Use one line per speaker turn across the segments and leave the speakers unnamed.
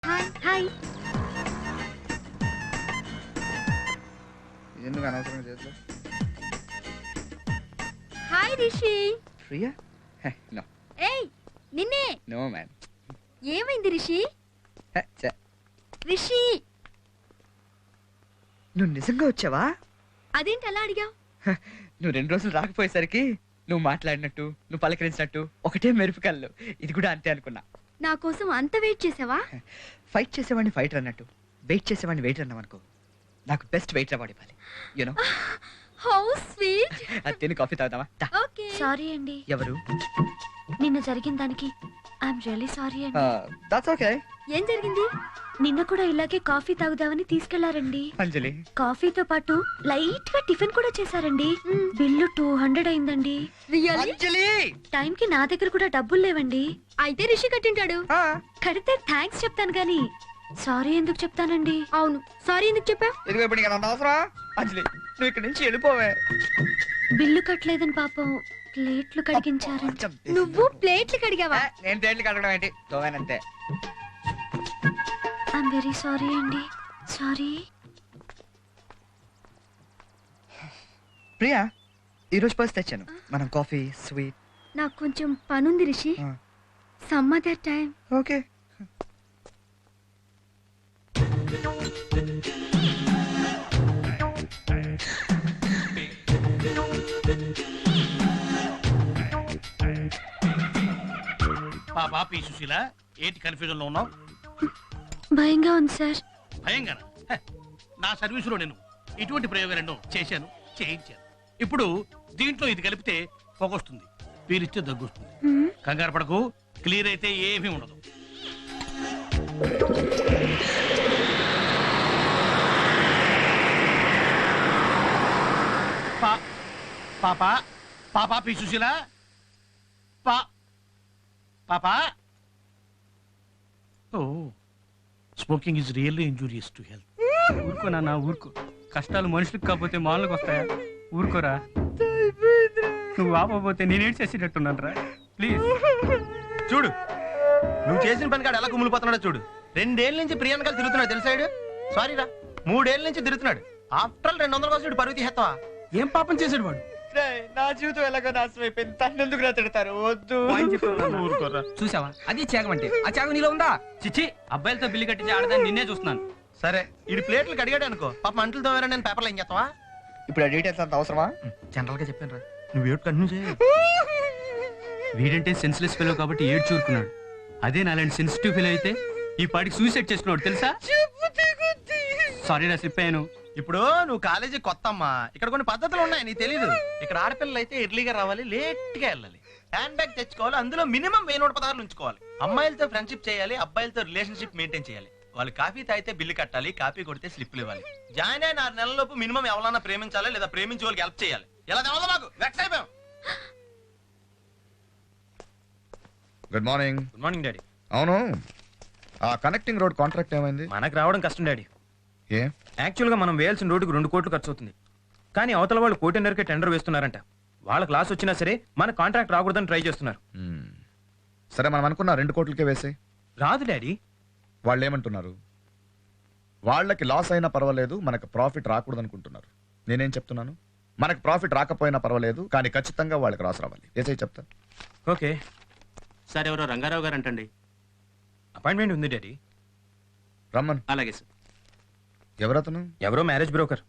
Hi hi.
ఎందుకు అనవసరంగా చేస్తా?
హాయ్ రిషి.
ప్రియా? నో
ఏయ్ నిన్నే.
No man.
ఏమైంది రిషి? రిషి
నువ్వు నిజంగా వచ్చావా?
అదేంటి అలా అడిగావు?
నువ్వు 2 రోజులు రాకపోయేసరికి నువ్వు మాట్లాడినట్టు నువ్వు పలకరించినట్టు ఒకటే మెరుపు కళ్ళు. ఇది కూడా అంతే అనుకున్నా.
నా కోసం అంత వెయిట్ చేసావా?
ఫైట్ చేసేవాడిని ఫైటర్ అన్నట్టు వెయిట్ చేసేవాడిని వెయిటర్ అన్నావు అనుకో. నాకు బెస్ట్ వెయిటర్ అవార్డు ఇవ్వాలి. యూనో.
How sweet.
అది తిని కాఫీ తాగుదామా?
ఓకే.
సారీ అండి,
ఎవరు?
నిన్న జరిగిన దానికి ఐఎమ్ రియల్లీ సారీ అండి.
That's okay.
ఏం జరిగింది?
నిన్న కూడా ఇలాగే కాఫీ తాగుదామని తీసుకెళ్లారండి.
అంజలి,
కాఫీతో పాటు లైట్ గా టిఫిన్ కూడా చేశారండి. బిల్లు 200 అయిందండి.
రియల్లీ?
అంజలి.
టైం కి నా దగ్గర కూడా డబ్బులు లేవండి.
అయితే రిషి కట్టింటాడు.
కడితే థ్యాంక్స్ చెప్తాను గానీ సారీ ఎందుకు చెప్తానండి?
అవును, సారీ ఎందుకు చెప్పావు?
ఇదిగో ఇప్పుడు నీకు అవసరం. అంజలి, నువ్వు ఇక్కడి నుంచి వెళ్ళిపోవే.
బిల్లు కట్టలేదని పాపం ప్లేట్లు కడిగించారండి.
నువ్వు ప్లేట్లు కడిగావా?
నేను ప్లేట్లు కడగడం ఏంటి? తోవేనంతే.
ఐఎమ్ వెరీ సారీ అండి. సారీ.
ప్రియా, ఈరోజు పర్స్ తెచ్చాను. మనం కాఫీ స్వీట్.
నాకు కొంచెం పనుంది Rishi. Some other time.
Okay.
పాపా పి సుశీల, ఏంటి కన్ఫ్యూజన్ లో ఉన్నావు?
భయంగా ఉంది సార్.
భయంగానా? నా సర్వీసులో నేను ఇటువంటి ప్రయోగాలను చేశాను, చేయించాను. ఇప్పుడు దీంట్లో ఇది కలిపితే పొగొస్తుంది, పీలిస్తే దగ్గొస్తుంది. కంగారు పడకు, క్లియర్ అయితే ఏమీ ఉండదు. పాపా పాపా పి సుశీల, పాపా. Oh, smoking is really injurious to health.
ఊరుకో నాన్న, ఊరుకో. కష్టాలు మనుషులకు కాకపోతే మాలకు వస్తాయా? ఊరుకోరా. నువ్వు ఆపపోతే నేనేం చేసేటట్టున్నాను రా. ప్లీజ్
చూడు, నువ్వు చేసిన పని కాడు ఎలా కుమిలిపోతున్నాడో చూడు. 2 ఏళ్ళ నుంచి ప్రియాంకలు తిరుగుతున్నాడు తెలుసాడు. సారీ రా, 3 ఏళ్ళ నుంచి తిరుగుతున్నాడు. ఆఫ్టర్ 200 కోసం పరుగు తీసేస్తావా?
ఏం పాపం చేశాడు వాడు?
నా జీవితం ఎలాగో నాశనం అయిపోయింది. తను ఎందుకు నా తిడతారు? వద్దు.
ఊరుకోరా.
చూసావా, అది త్యాగం అంటే. ఆ త్యాగం నీలో ఉందా? చిచ్చి, అబ్బాయిలతో బిల్లు కట్టించి ఆడదాన్ని నిన్నే చూస్తున్నాను.
సరే, ఇది ప్లేట్లు కడిగాడు అనుకో, పాప అంట్లు తోమారా, నేను పేపర్లో ఏం చేస్తావా?
ఇప్పుడు ఆ డీటెయిల్స్ అంత అవసరమా?
జనరల్ గా చెప్పాను రా, నువ్వు ఏడు కంటిన్యూ చేయి.
వీడంటే సెన్స్లెస్ ఫెలో కాబట్టి ఏడు చూరుకున్నాడు. అదే నాలాంటి సెన్సిటివ్ ఫెలో అయితే ఈ పాటికి సూసైడ్ చేసుకున్నాడు తెలుసా? సారీ రా, స్లిప్ అయ్యాను.
ఇప్పుడు నువ్వు కాలేజీ కొత్త అమ్మా, ఇక్కడ కొన్ని పద్ధతులు ఉన్నాయి, నీకు తెలీదు. ఇక్కడ ఆడపిల్లలు అయితే ఎర్లీగా రావాలి, లేట్ గా వెళ్ళాలి. హ్యాండ్ బ్యాగ్ తెచ్చుకోవాలి, అందులో మినిమం 1000 పదార్లు ఉంచుకోవాలి. అమ్మాయిలతో ఫ్రెండ్షిప్ చేయాలి, అబ్బాయిలతో రిలేషన్షిప్ మెయింటైన్ చేయాలి. వాళ్ళు కాఫీ తాగితే బిల్లు కట్టాలి, కాఫీ కొడితే స్లిప్లు ఇవ్వాలి. జాయిన్ అయిన 6 నెలలలోపు మినిమం ఎవరన్నా ప్రేమించాలి, లేదా ప్రేమించే వాళ్ళకి హెల్ప్ చేయాలి. ఎలా తెలవదు మాకు, వెక్స్ అయిపోయాం.
Good morning.
Good morning daddy.
అవును, ఆ కనెక్టింగ్ రోడ్ కాంట్రాక్ట్ ఏమైంది?
మనకు రావడం కష్టం డాడీ.
ఏ?
యాక్చువల్గా మనం వేయాల్సిన రోడ్డుకి 2 కోట్లు ఖర్చు అవుతుంది. కానీ అవతల వాళ్ళు 1.5 కోటికి టెండర్ వేస్తున్నారంట. వాళ్ళ క్లాస్ వచ్చినా సరే మన కాంట్రాక్ట్ రాకూడదని ట్రై చేస్తున్నారు.
సరే, మనం అనుకున్న 2 కోట్లకే వేసే.
రాదు డాడీ.
వాళ్ళు ఏమంటున్నారు? వాళ్ళకి లాస్ అయినా పర్వాలేదు, మనకు ప్రాఫిట్ రాకూడదు అనుకుంటున్నారు. నేనేం చెప్తున్నాను? మనకు ప్రాఫిట్ రాకపోయినా పర్వాలేదు, కానీ ఖచ్చితంగా వాళ్ళకి రాసి రావాలి. ఏసై చెప్తా.
ఓకే
సార్, ఎవరో రంగారావు గారు అంటండి.
అపాయింట్మెంట్ ఉంది డాడీ.
రమ్మన్.
అలాగే సార్.
ఎవరతను?
ఎవరో మ్యారేజ్ బ్రోకర్.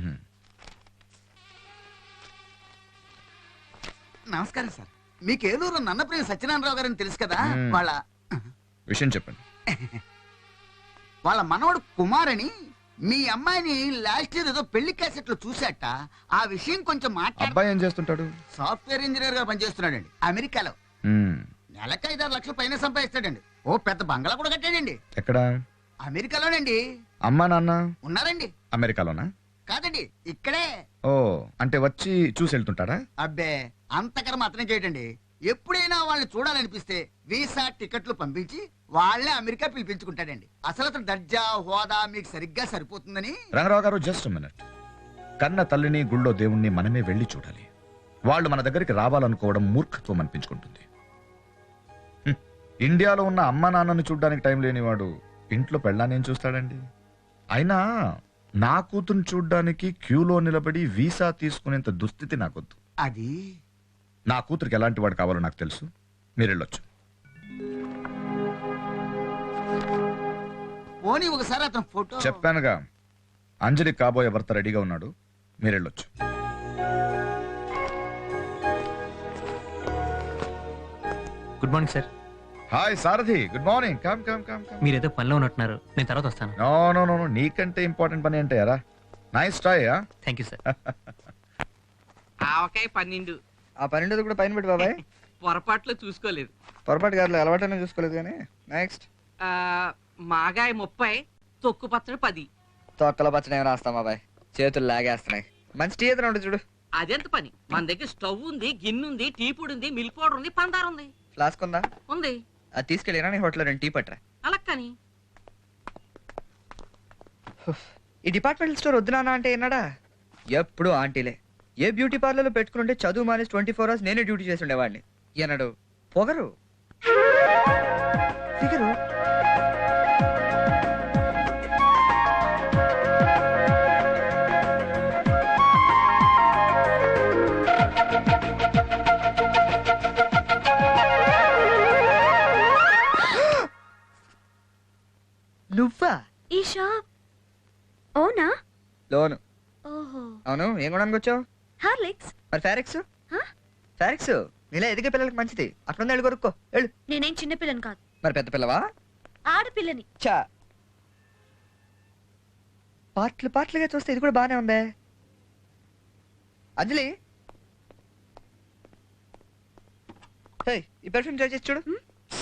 నమస్కారం సార్. మీకు ఏలూరు నన్నప్రియ సత్యనారాయణరావు గారని తెలుసు కదా? వాళ్ళ
విషయం చెప్పండి.
వాళ్ళ మనవడు కుమార్ అని మీ అమ్మాయిని లాస్ట్ ఇయర్ ఏదో పెళ్లి క్యాసెట్ లో చూసాట. ఆ విషయం కొంచెం
అబ్బాయి ఏం చేస్తుంటాడు?
సాఫ్ట్వేర్ ఇంజనీర్ గా పనిచేస్తున్నాడండి అమెరికాలో. నెలకు 5-6 లక్షలు పైన సంపాదిస్తాడండి. ఓ పెద్ద బంగ్లా కూడా కట్టాడండి.
ఎక్కడ?
అమెరికాలోనండి.
అమ్మా నాన్న
ఉన్నారండి.
అమెరికాలోనా?
కాదండి, ఇక్కడే.
ఓ, అంటే వచ్చి చూసి వెళ్తుంటాడా?
అబ్బే, అంతకర మాత్రం చేయటండి. ఎప్పుడైనా వాళ్ళని చూడాలనిపిస్తే వీసా టికెట్లు పంపించి వాళ్ళే అమెరికా పిలిపించుకుంటాడండి. అసలు అతను దర్జా హోదా మీకు సరిగ్గా సరిపోతుందని.
రంగరావు గారు, జస్ట్ మినిట్. కన్న తల్లిని గుళ్ళో దేవుణ్ణి మనమే వెళ్ళి చూడాలి. వాళ్ళు మన దగ్గరికి రావాలనుకోవడం మూర్ఖత్వం అనిపించుకుంటుంది. ఇండియాలో ఉన్న అమ్మ నాన్నను చూడడానికి టైం లేనివాడు ఇంట్లో పెళ్ళానేం చూస్తాడండి? అయినా నా కూతురు చూడ్డానికి క్యూలో నిలబడి వీసా తీసుకునేంత దుస్థితి నాకొద్దు.
అది
నా కూతురికి ఎలాంటి వాడు కావాలో నాకు తెలుసు. మీరు వెళ్ళొచ్చు.
పోనీ ఒకసారి అతను ఫోటో.
చెప్పానుగా, అంజలి కాబోయే భర్త రెడీగా ఉన్నాడు. మీరు వెళ్ళొచ్చు.
Good morning sir.
Hi Sarathi, good morning. Come come come come.
మీరు ఏదో పనిలో ఉన్నట్టున్నారు, నేను తర్వాత వస్తాను.
నో నో నో, నీకంటే ఇంపార్టెంట్ పని ఏంటి యారా? Nice try.
Thank you sir.
ఆవకాయ 12
ఆ 12 కూడా పైన పెట్టి బాబాయ్.
పొరపాట్లు చూసుకోలేదు.
పొరపాటు గారు అలవాటైనా చూసుకోలేదు కానీ. నెక్స్ట్
ఆ, మాగాయ 30 తొక్కు పచ్చడి 10.
తొక్కల పచ్చడి ఏమి రాస్తాం బాబాయ్, చేతులు లాగేస్తున్నాయి. మంచి టీ ఎదురు ఉంటుంది చూడు.
అదెంత పని, మన దగ్గర స్టవ్ ఉంది, గిన్నె ఉంది, టీ పొడి ఉంది, మిల్క్ పౌడర్ ఉంది, పందారు ఉంది.
ఫ్లాస్క్ ఉందా?
ఉంది.
అది తీసుకెళ్ళినా నీ హోటల్లో 2 టీ పట్టరా.
అలా కానీ
ఈ డిపార్ట్మెంటల్ స్టోర్ వద్దునా అంటే ఏనాడా? ఎప్పుడు ఆంటీలే. ఏ బ్యూటీ పార్లర్లో పెట్టుకుంటే చదువు మానేసి 24 hours నేనే డ్యూటీ చేసి ఉండేవాడిని. ఏనాడు పొగరు ఫిగరు. నువ్వా?
ఈ షాప్ ఓనా?
లోను.
ఓహో.
అవును, ఏం కొనడానికి వచ్చావు?
హార్లిక్స్.
మరి ఫారెక్స్?
హ?
ఫారెక్స్ నీలా ఎదిగే పిల్లలకి మంచిది. అక్కడ వెళ్ళి కొనుక్కో వెళ్ళు.
నేనేం చిన్న పిల్లని కాదు,
మరి పెద్ద పిల్లవా?
ఆడపిల్లని.
చా, పాటలుగా చూస్తే ఇది కూడా బానే ఉందే. అంజలి, హే, ఈ పెర్ఫ్యూమ్ ట్రై చేసి చూడు.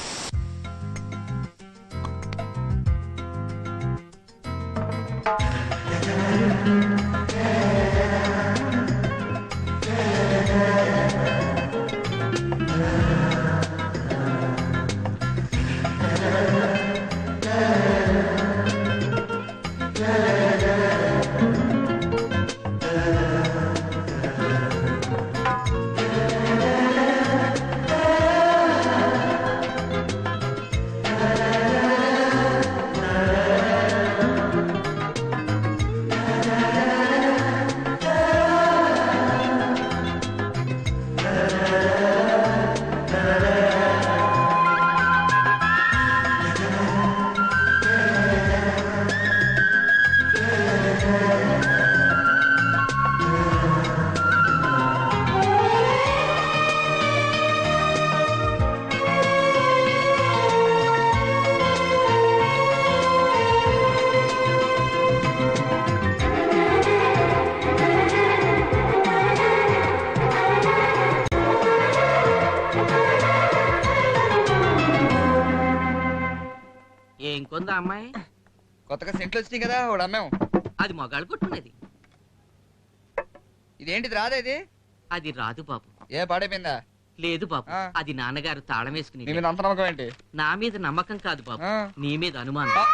ఏం కొందా అమ్మాయి?
కొత్తగా సెంట్లు వచ్చినాయి కదా, ఒకడు అమ్మాము.
అది మగాళ్ళు కొట్టున్నది.
ఇదేంటిది రాదా ఇది?
అది రాదు బాబు.
ఏ పాడైపోయిందా?
లేదు బాబు,
ఆ.
అది నాన్నగారు తాళం వేసుకుని.
నీ మీద అంత నమ్మకం ఏంటి?
నా మీద నమ్మకం కాదు బాబు,
ఆ.
నీ మీద అనుమానం.
ఆ.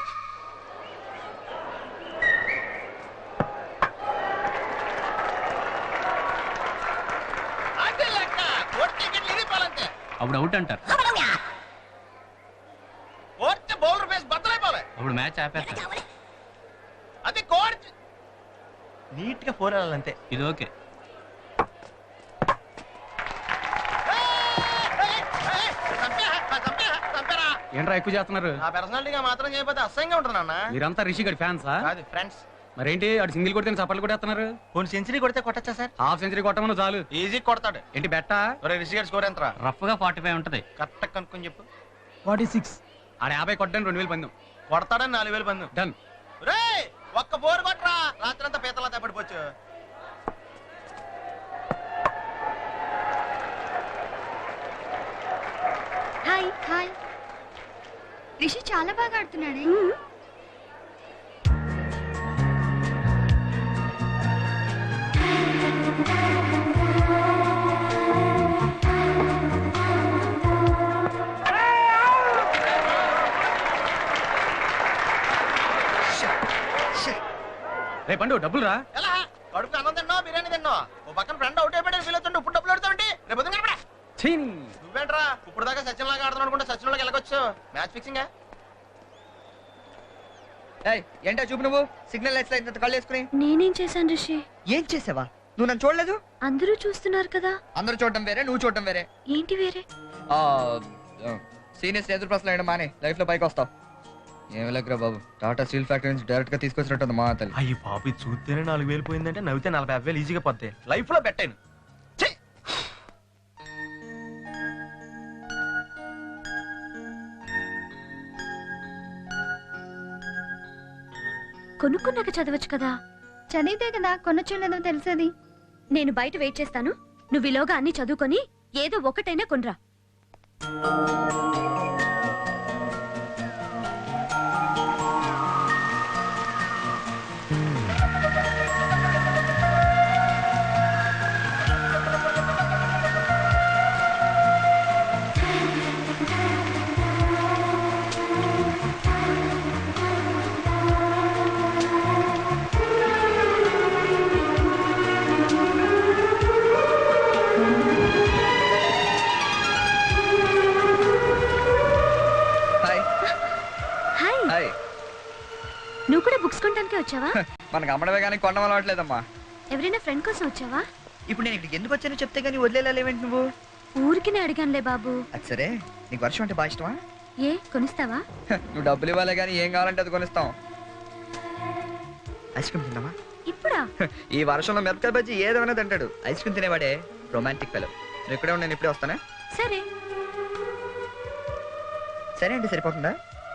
అప్పుడు అవుట్ అంటారు,
బౌలర్ ఫేస్ బద్దలైపోలే.
అప్పుడు మ్యాచ్ ఆపేస్తారు.
అది కోడ్ నీట్ గా 4 వెళ్ళాలంతే.
ఇది ఓకే. ఏంట్రా ఎక్కువ చేస్తున్నారు?
నా పర్సనాలిటీగా మాత్రం చేయకపోతే అసహ్యంగా ఉంటుంది అన్న.
మీరంతా రిషి గడి ఫ్యాన్సా?
కాదు ఫ్రెండ్స్.
మరేంటి అటు సింగిల్ కొడితే చప్పట్లు కొట్టేస్తున్నారు?
కొన్ని సెంచరీ కొడితే కొట్టచ్చా సార్?
హాఫ్ సెంచరీ కొట్టమని చాలు.
ఈజీ కొడతాడు.
ఏంటి బెట్టా?
ఒరే రిషి గారి స్కోర్ ఎంతరా?
రఫ్ గా 45 ఉంటది.
కరెక్ట్ కనుక్కొని చెప్పు.
46. ఆడ 50 కొట్టడానికి 2000 పందెం.
కొడతాడని 4000 పందు.
డన్.
రే ఒక్క బోర్ కొట్టరా, రాత్రంతా పీతలా తప్పడిపోవచ్చు.
Hi hi. రిషి చాలా బాగా ఆడుతున్నాడే.
రే పండు డబ్బులు రా.
ఎలా కడుపు అన్నం తిన్నావా బిర్యానీ తిన్నావా? ఓ పక్కన ఫ్రెండ్ అవుట్ అయిపోయాడు ఫీల్ అవుతుంటే ఇప్పుడు డబ్బులు ఆడుతుంటే రేపు పొద్దున్న కనపడా.
చీని.
నువ్వేంట్రా ఇప్పుడు దాకా సచిన్ లాగా ఆడుతున్నావు అనుకుంటే సచిన్ లాగా ఎలాగొచ్చు? Match fixing.
ఏయ్ ఏంటో చూపు నువ్వు సిగ్నల్ లైట్స్ ఇంత కళ్ళు వేసుకుని
నేనేం చేశాను రిషి?
ఏం చేసావా నువ్వు నన్ను చూడలేదు
అందరూ చూస్తున్నారు కదా.
అందరూ చూడటం వేరే నువ్వు చూడటం వేరే
ఏంటి వేరే?
సీనియర్స్ ఎదురు ప్రశ్నలు వేయడం మానే లైఫ్ లో పైకి వస్తావు ఏమి లేకరా బాబు టాటా స్టీల్ ఫ్యాక్టరీ నుంచి డైరెక్ట్ గా తీసుకొచ్చినట్టుంది మా తల్లి
అయ్యి పాపి చూస్తేనే 4000 పోయిందంటే నవ్వితే 40,000 ఈజీగా పోతాయి లైఫ్ లో పెట్టాను
కొనుక్కున్నాక చదవచ్చు కదా.
చదివితే కదా కొనొచ్చో లేదో తెలిసేది.
నేను బయట వెయిట్ చేస్తాను, నువ్వు ఈలోగా అన్ని చదువుకొని ఏదో ఒకటైనా కొనరా.
హాయ్
హాయ్,
హాయ్
నువ్వు కూడా బుక్స్ కొనడానికే వచ్చావా?
మనకు అమ్మడమే కానీ కొనడం అలవాట్లేదమ్మా
ఎవరైనా ఫ్రెండ్ కోసం వచ్చావా?
ఇప్పుడు నేను ఇక్కడికి ఎందుకు వచ్చానో చెప్తే కానీ వదిలేలేవేంటి నువ్వు
ఊరికినే అడిగానులే బాబు.
అది సరే నీకు వర్షం అంటే బాగా ఇష్టమా
ఏ కొనిస్తావా?
నువ్వు డబ్బులు ఇవ్వాలే కానీ ఏం కావాలంటే అది కొనిస్తాం ఐస్ క్రీమ్ తిందామా
ఇప్పుడా?
ఈ వర్షంలో మిరపకాయ బజ్జీ ఏదైనా తింటాడు ఐస్ క్రీమ్ తినేవాడే రొమాంటిక్ ఫెలో నువ్వు ఇక్కడే ఉండి నేను ఇప్పుడే వస్తానా
సరే.
సరే అండి సరిపోతుందా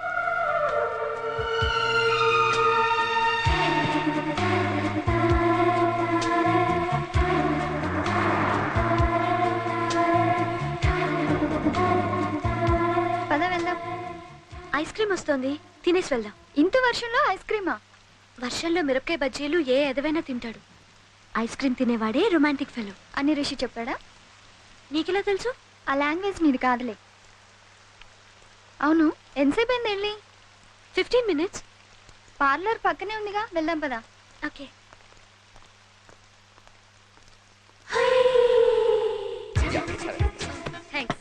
పద వెళ్దాం.
ఐస్ క్రీమ్ వస్తోంది, తినేసి వెళ్దాం.
ఇంత వర్షంలో ఐస్ క్రీమా?
వర్షంలో మిరపకాయ బజ్జీలు ఏ ఎదవైనా తింటాడు. ఐస్ క్రీమ్ తినేవాడే రొమాంటిక్ ఫెలో
అని రిషి చెప్పాడా?
నీకెలా తెలుసు?
ఆ లాంగ్వేజ్ నీది కాదులే. అవును ఎంతసేపు అయింది వెళ్ళి?
15 minutes.
పార్లర్ పక్కనే ఉందిగా, వెళ్దాం పదా.
ఓకే. థ్యాంక్స్.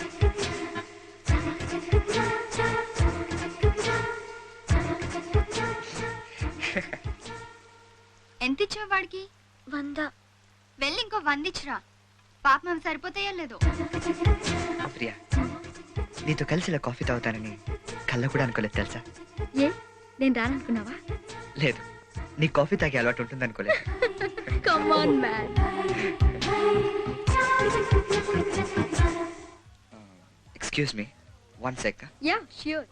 ఎంత ఇచ్చావు వాడికి?
100.
వెళ్ళి ఇంకో 100 ఇచ్చిరా. పాప మేము సరిపోతాయో లేదో.
ప్రియా నీతో కలిసి ఇలా కాఫీ తాగుతానని కళ్ళ కూడా అనుకోలేదు తెలుసా
ఏ నేను రాననుకున్నావా?
లేదు నీ కాఫీ తాగే అలవాటు ఉంటుంది అనుకోలేదు
come on man.
Excuse me 1 sec
yeah sure.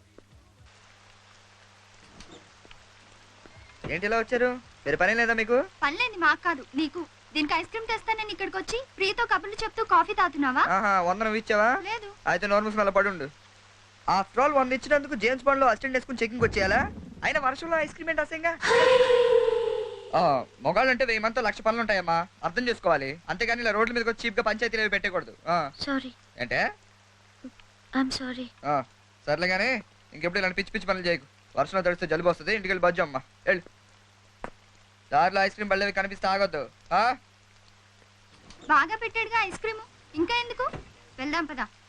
ఏంటి ఇలా వచ్చారు వేరే పని లేదా మీకు
పనిలేంది మాకు కాదు నీకు. దీనికి ఐస్ క్రీమ్ తెస్తానని ఇక్కడికి వచ్చి ప్రియతో కబుర్లు చెప్తూ కాఫీ తాగుతున్నావా?
ఆహా 100 నువ్వు ఇచ్చావా
లేదు.
అయితే నార్మల్స్ మళ్ళీ పడుండు ఆఫ్టర్ ఆల్ 100 ఇచ్చినందుకు జేమ్స్ బాండ్ లో అసిస్టెంట్ వేసుకుని చెకింగ్ వచ్చేయాలా అయినా వర్షంలో ఐస్ క్రీమ్ ఏంటి అసంగా మొగాళ్ళు అంటే 1000 మందితో 1,00,000 పనులు ఉంటాయమ్మా అర్థం చేసుకోవాలి అంతేగాని ఇలా రోడ్ల మీదకి వచ్చి చీప్ గా పంచాయతీలు అవి పెట్టకూడదు
సారీ.
అంటే
ఐఎమ్ సారీ.
సర్లే కానీ ఇంకెప్పుడు ఇలాంటి పిచ్చి పిచ్చి పనులు చేయకు వర్షంలో తడిస్తే జలుబు వస్తుంది ఇంటికి వెళ్ళి బజ్జు అమ్మా వెళ్ళు దారిలో ఐస్ క్రీమ్ బళ్ళవి కనిపిస్తే ఆగొద్దు
బాగా పెట్టాడుగా ఐస్ క్రీము, ఇంకా ఎందుకు? వెళ్దాం పదా.